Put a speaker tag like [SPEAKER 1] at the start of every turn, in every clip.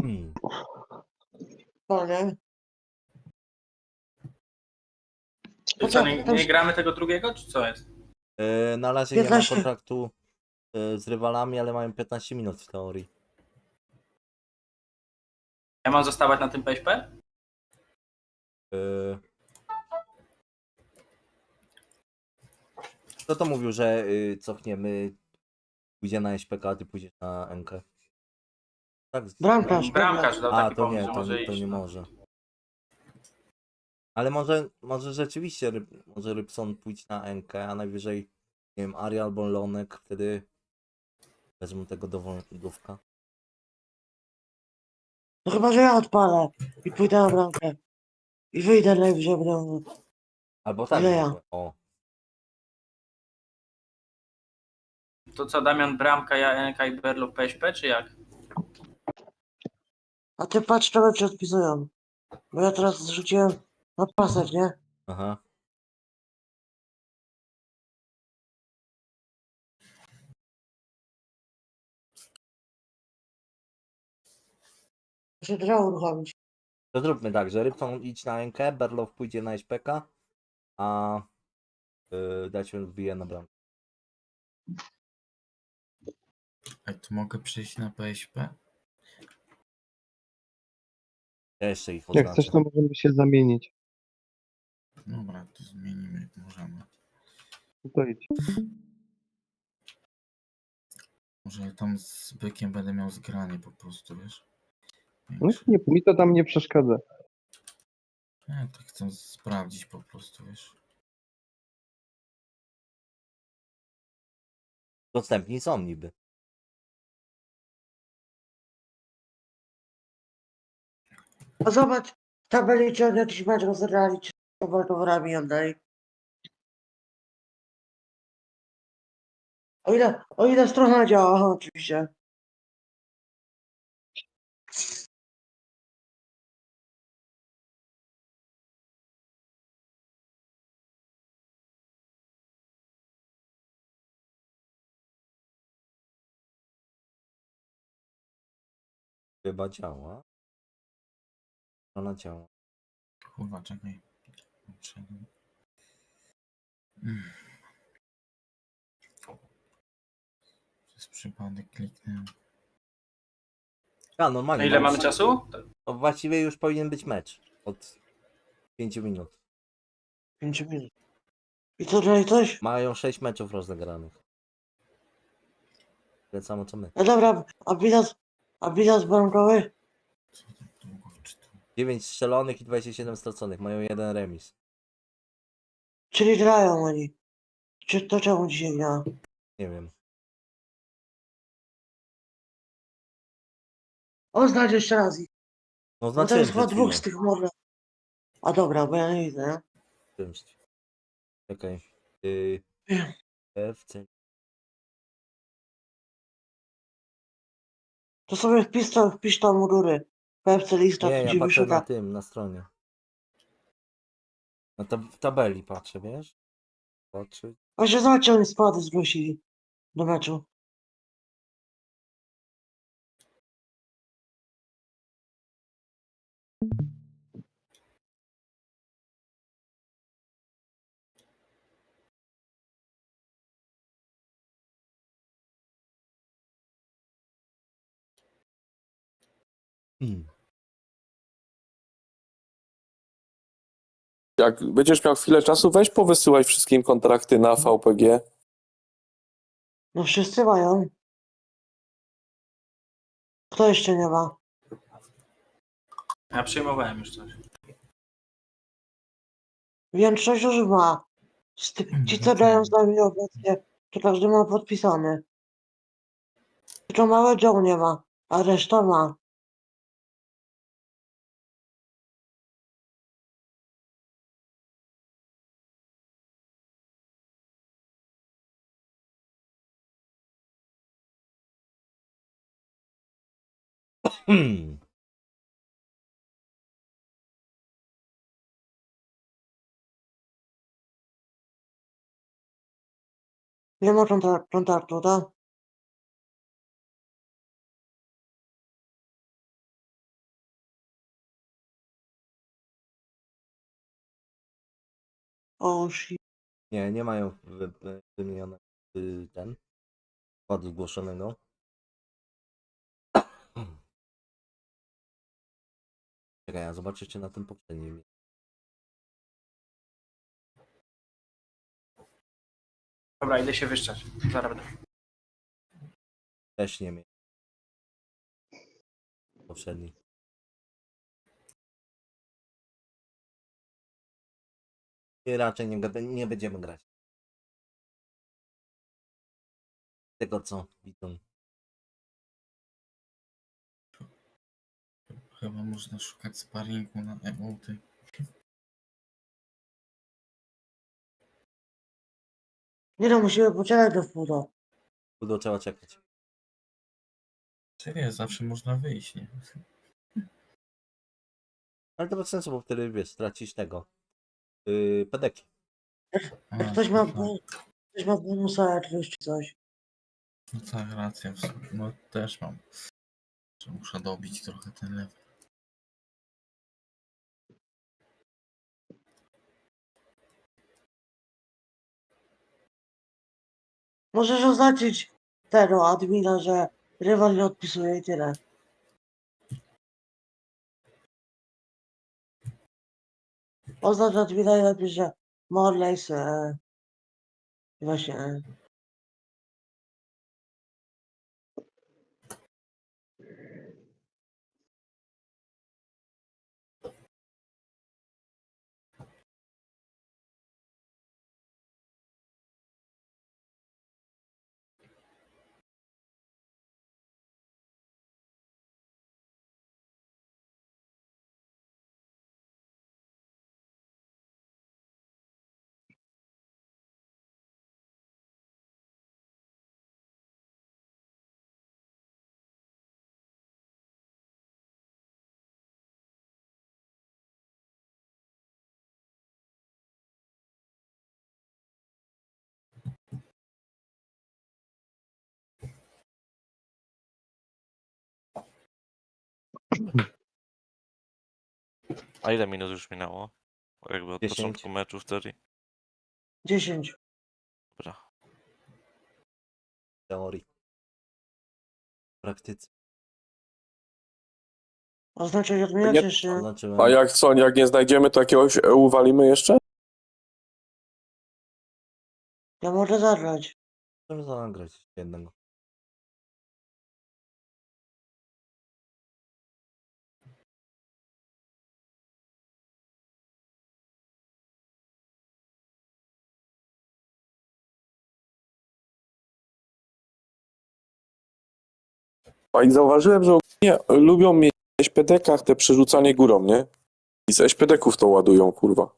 [SPEAKER 1] Hmm.
[SPEAKER 2] Panie.
[SPEAKER 3] I co, nie gramy tego drugiego, czy co jest?
[SPEAKER 1] Na razie nie ma
[SPEAKER 2] 15.
[SPEAKER 1] kontraktu z rywalami, ale mają 15 minut w teorii.
[SPEAKER 3] Ja mam zostawać na tym PSP?
[SPEAKER 1] Yy, Kto to mówił, że cofniemy, pójdzie na SPK, a ty pójdziesz na NK? Tak.
[SPEAKER 2] Bramkarz.
[SPEAKER 3] Bramkarz dał
[SPEAKER 1] A,
[SPEAKER 3] taki
[SPEAKER 1] to
[SPEAKER 3] pomysł,
[SPEAKER 1] nie,
[SPEAKER 3] że może
[SPEAKER 1] to
[SPEAKER 3] iść.
[SPEAKER 1] nie
[SPEAKER 3] No.
[SPEAKER 1] może. Ale może rzeczywiście może Rybson pójść na NK, a najwyżej, nie wiem, Ari albo Lonek, wtedy wezmą tego dowolnika.
[SPEAKER 2] No chyba, że ja odpalę i pójdę na bramkę. I wyjdę najwyżej będę.
[SPEAKER 1] Albo tak,
[SPEAKER 2] Ile ja?
[SPEAKER 1] mogę. O.
[SPEAKER 3] To co, Damian Bramka, ja NK i Berlo w PSP, czy jak?
[SPEAKER 2] A ty patrz, to ci odpisują. Bo ja teraz zrzuciłem na pasek, nie?
[SPEAKER 1] Aha.
[SPEAKER 2] Muszę trzeba uruchomić.
[SPEAKER 1] To zróbmy tak, że Rybson idź na NK, Berlow pójdzie na SPK, a Daciun wbije na bramkę.
[SPEAKER 4] A tu mogę przejść na PSP?
[SPEAKER 1] Ja jeszcze ich
[SPEAKER 5] Jak
[SPEAKER 1] oznaczę.
[SPEAKER 5] chcesz, to możemy się zamienić.
[SPEAKER 4] Dobra, to zmienimy, możemy.
[SPEAKER 5] To idź.
[SPEAKER 4] Może tam z bykiem będę miał zgranie po prostu, wiesz?
[SPEAKER 5] No,
[SPEAKER 4] Większe.
[SPEAKER 5] nie, mi to tam nie przeszkadza.
[SPEAKER 4] Nie, tak chcę sprawdzić po prostu, wiesz?
[SPEAKER 1] Dostępni są niby.
[SPEAKER 2] A zobacz, tabeli czy oni jakiś mecz rozegrali, czy z Waldorami oddali. O ile strona działa, aha, oczywiście.
[SPEAKER 1] Chyba działa. Ona działa.
[SPEAKER 4] Kurwa, czekaj. Wszedłem. Przez przypadek kliknąłem.
[SPEAKER 1] A, normalnie.
[SPEAKER 3] A ile
[SPEAKER 1] mam-
[SPEAKER 3] mamy czasu?
[SPEAKER 1] To właściwie już powinien być mecz. Od 5 minut.
[SPEAKER 2] 5 minut. I co dalej coś?
[SPEAKER 1] Mają 6 meczów rozegranych. Tyle samo co my.
[SPEAKER 2] No dobra, a bilans bramkowy?
[SPEAKER 4] Co tak długo wczytałem?
[SPEAKER 1] 9 strzelonych i 27 straconych. Mają jeden remis.
[SPEAKER 2] Czyli grają oni. Czy to czemu dzisiaj gra?
[SPEAKER 1] Nie wiem.
[SPEAKER 2] Oznacz jeszcze raz ich.
[SPEAKER 1] No
[SPEAKER 2] Bo to
[SPEAKER 1] znaczyłem
[SPEAKER 2] jest chyba
[SPEAKER 1] przed
[SPEAKER 2] dwóch
[SPEAKER 1] chwilą.
[SPEAKER 2] z tych może. A dobra, bo ja nie widzę, nie?
[SPEAKER 1] Czymś. Czekaj.
[SPEAKER 2] Wiem.
[SPEAKER 1] FC.
[SPEAKER 2] To sobie wpisz tam u góry. PFC lista,
[SPEAKER 1] Nie,
[SPEAKER 2] to
[SPEAKER 1] ja
[SPEAKER 2] ci
[SPEAKER 1] patrzę na
[SPEAKER 2] wyświetla.
[SPEAKER 1] tym, na stronie. W tabeli patrzę, wiesz? Patrzę.
[SPEAKER 2] Właśnie zobaczcie, oni składy zgłosili do meczu.
[SPEAKER 1] Hmm.
[SPEAKER 6] Jak będziesz miał chwilę czasu, weź powysyłaj wszystkim kontrakty na VPG.
[SPEAKER 2] No wszyscy mają. Kto jeszcze nie ma?
[SPEAKER 3] Ja przyjmowałem już coś.
[SPEAKER 2] Większość już ma. Ci, co grają z nami obecnie, to każdy ma podpisany. Tylko małe Joe nie ma, a reszta ma.
[SPEAKER 1] Hmm.
[SPEAKER 2] Nie ma kontraktu, tak? O, shit.
[SPEAKER 1] Nie, nie mają wymienione ten składu zgłoszonego. Czekaj, ja zobaczę cię na tym poprzednim.
[SPEAKER 3] Dobra, idę się wyszczać. Zaraz będę.
[SPEAKER 1] Też nie miałem. Poprzedni. I raczej nie będziemy grać. Tego co widzą.
[SPEAKER 4] Chyba można szukać sparingu na emoty.
[SPEAKER 2] Nie no, musimy poczekać do wpół.
[SPEAKER 1] Będą trzeba czekać.
[SPEAKER 4] Serio, zawsze można wyjść, nie?
[SPEAKER 1] Ale to bez sensu, bo wtedy wiesz, stracisz tego. Pedeki.
[SPEAKER 4] A,
[SPEAKER 2] Jak ktoś
[SPEAKER 4] no
[SPEAKER 2] ma,
[SPEAKER 4] tak,
[SPEAKER 2] ktoś ma bonusa jakiegoś czy coś.
[SPEAKER 4] no tak, racja w sumie. No też mam. Że muszę dobić trochę ten level.
[SPEAKER 2] Możesz oznaczyć tego admina, że rywal nie odpisuje i tyle. Oznacz admina i napisz, że Morleys właśnie
[SPEAKER 7] A ile minut już minęło? Jakby od
[SPEAKER 1] 10.
[SPEAKER 7] początku meczu wtedy?
[SPEAKER 2] 10.
[SPEAKER 7] Dobra.
[SPEAKER 1] W teorii. W praktyce.
[SPEAKER 2] Oznaczyć admina
[SPEAKER 6] Nie-
[SPEAKER 2] czy jeszcze?
[SPEAKER 1] Oznaczyłem.
[SPEAKER 6] A jak co, jak nie znajdziemy, to jakiegoś EU walimy jeszcze?
[SPEAKER 2] Ja mogę zagrać.
[SPEAKER 1] Możemy zagrać jednego.
[SPEAKER 6] A i zauważyłem, że ogólnie lubią mieć w SPD-kach te przerzucanie górą, nie? I z SPD-ków to ładują, kurwa.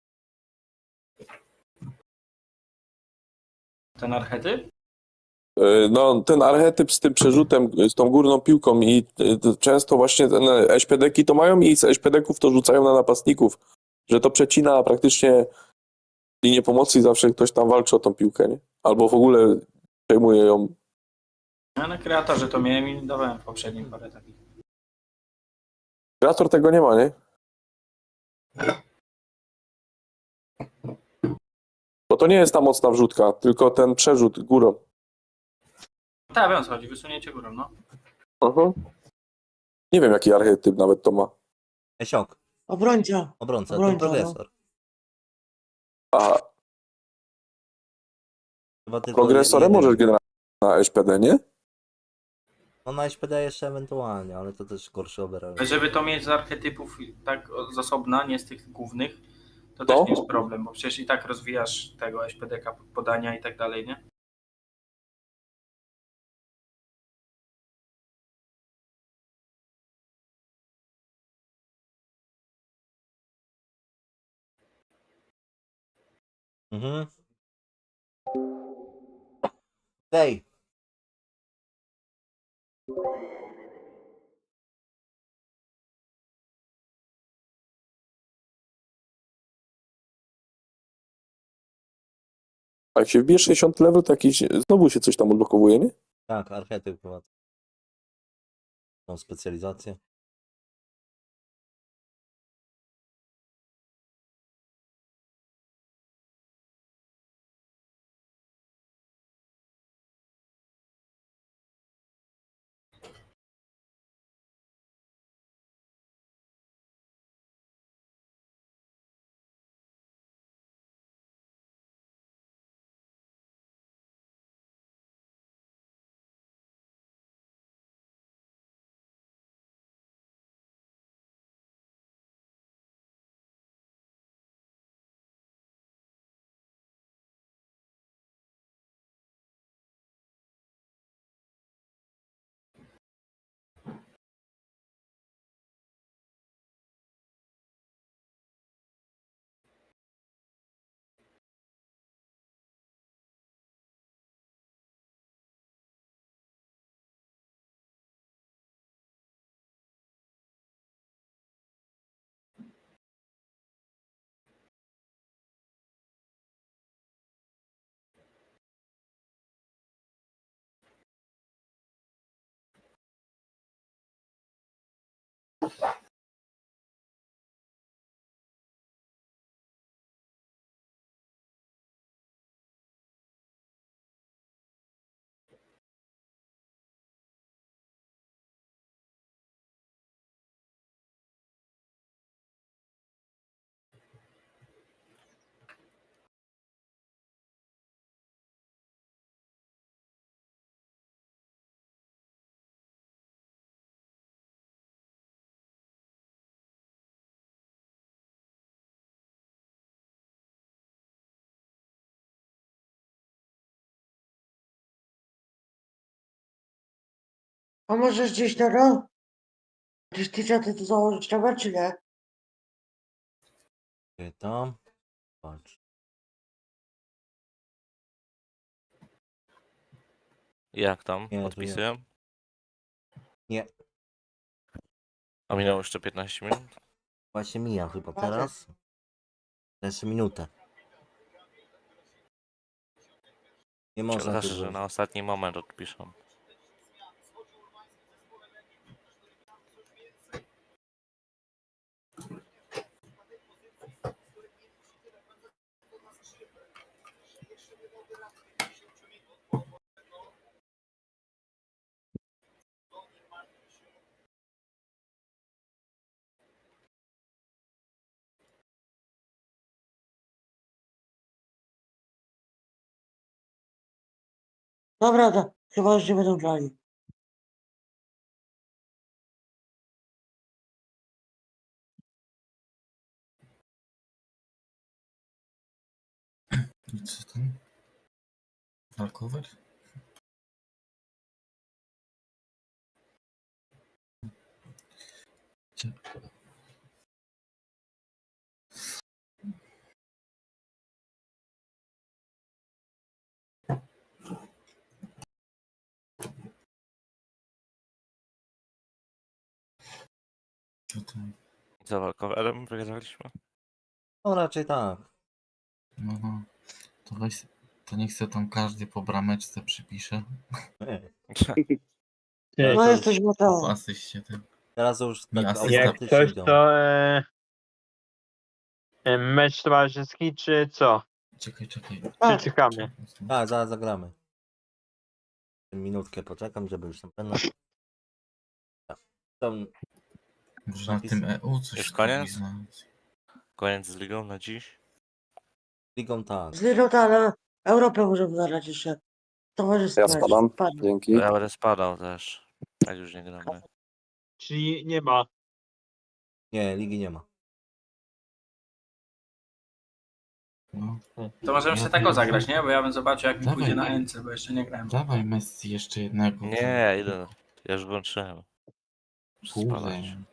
[SPEAKER 3] Ten archetyp?
[SPEAKER 6] No, ten archetyp z tym przerzutem, z tą górną piłką i często właśnie ten SPD-ki to mają i z SPD-ków to rzucają na napastników, że to przecina praktycznie linię pomocy i zawsze ktoś tam walczy o tą piłkę, nie? Albo w ogóle przejmuje ją.
[SPEAKER 3] Ja na kreatorze to miałem i dawałem w poprzednim parę takich.
[SPEAKER 6] Kreator tego nie ma, nie? Bo to nie jest ta mocna wrzutka, tylko ten przerzut górą.
[SPEAKER 3] Tak, wiem o co chodzi, wysunięcie górą, no.
[SPEAKER 6] Mhm. Nie wiem, jaki archetyp nawet to ma.
[SPEAKER 1] Esiok.
[SPEAKER 2] Obrońca.
[SPEAKER 1] Obrońca. To
[SPEAKER 2] Obrońca, no.
[SPEAKER 1] progresor.
[SPEAKER 6] A
[SPEAKER 1] Chyba tylko
[SPEAKER 6] progresorem
[SPEAKER 1] jeden.
[SPEAKER 6] możesz generalnie na SPD, nie?
[SPEAKER 1] No na SPD jeszcze ewentualnie, ale to też gorszy overall.
[SPEAKER 3] Żeby to mieć z archetypów tak z osobna, nie z tych głównych, to też
[SPEAKER 6] No.
[SPEAKER 3] nie jest problem, bo przecież i tak rozwijasz tego SPDK podania i tak dalej, nie?
[SPEAKER 1] Mhm. Dej.
[SPEAKER 6] A jak się wbije 60 level, to jakiś, znowu się coś tam odblokowuje, nie?
[SPEAKER 1] Tak, archetyp chyba. Tą specjalizację.
[SPEAKER 2] A możesz gdzieś na rok? Gdzieś ty to założyć trzeba, czy nie?
[SPEAKER 1] Tam. Patrz.
[SPEAKER 7] Jak tam?
[SPEAKER 1] Nie,
[SPEAKER 7] Podpisuję?
[SPEAKER 1] Nie.
[SPEAKER 7] A minęło jeszcze 15 minut?
[SPEAKER 1] Właśnie mija chyba
[SPEAKER 2] Patrzę.
[SPEAKER 1] teraz. Jeszcze minutę. Nie można
[SPEAKER 7] Znaczy,
[SPEAKER 1] tu
[SPEAKER 7] że na ostatni moment odpiszą.
[SPEAKER 2] Dobra, chyba już nie będą grali.
[SPEAKER 4] I co tam? Walkover? Gdzie? Co tam?
[SPEAKER 7] Za walkowerem wygraliśmy?
[SPEAKER 1] No raczej tak.
[SPEAKER 4] No. To weź, to niech se tam każdy po brameczce przypisze.
[SPEAKER 1] Nie.
[SPEAKER 2] No jesteś
[SPEAKER 4] Po
[SPEAKER 2] Mateo.
[SPEAKER 4] asyście ten.
[SPEAKER 1] Teraz już
[SPEAKER 4] Nie,
[SPEAKER 1] tak
[SPEAKER 4] asysta.
[SPEAKER 8] Jak
[SPEAKER 1] automatycznie
[SPEAKER 8] coś
[SPEAKER 1] idą.
[SPEAKER 8] to mecz towarzyski czy co?
[SPEAKER 4] Czekaj.
[SPEAKER 2] Tak.
[SPEAKER 8] Czy czekamy?
[SPEAKER 1] Tak, zaraz zagramy. Minutkę poczekam, żeby już na pewno. Tak. Tam
[SPEAKER 4] Może na
[SPEAKER 1] napis-
[SPEAKER 4] tym EU coś
[SPEAKER 7] Już
[SPEAKER 4] spróbuj
[SPEAKER 7] koniec?
[SPEAKER 4] znaleźć.
[SPEAKER 7] Koniec z ligą na dziś?
[SPEAKER 1] ligą tak.
[SPEAKER 2] Z Lirota, ale Europę możemy zagrać jeszcze. Towarzystwo.
[SPEAKER 6] Ja spadam. Dzięki.
[SPEAKER 7] To ja będę spadał też. Jak już nie gramy.
[SPEAKER 8] Czyli nie ma.
[SPEAKER 1] Nie, ligi nie ma.
[SPEAKER 4] No.
[SPEAKER 3] To możemy się tak zagrać, nie? Bo ja bym zobaczył, jak mi
[SPEAKER 4] Dawaj.
[SPEAKER 3] pójdzie na NC, bo jeszcze nie grałem.
[SPEAKER 4] Dawaj Messi jeszcze jednego.
[SPEAKER 7] Nie, idę. Ja już włączyłem. Muszę
[SPEAKER 4] Kurde.
[SPEAKER 7] spadać.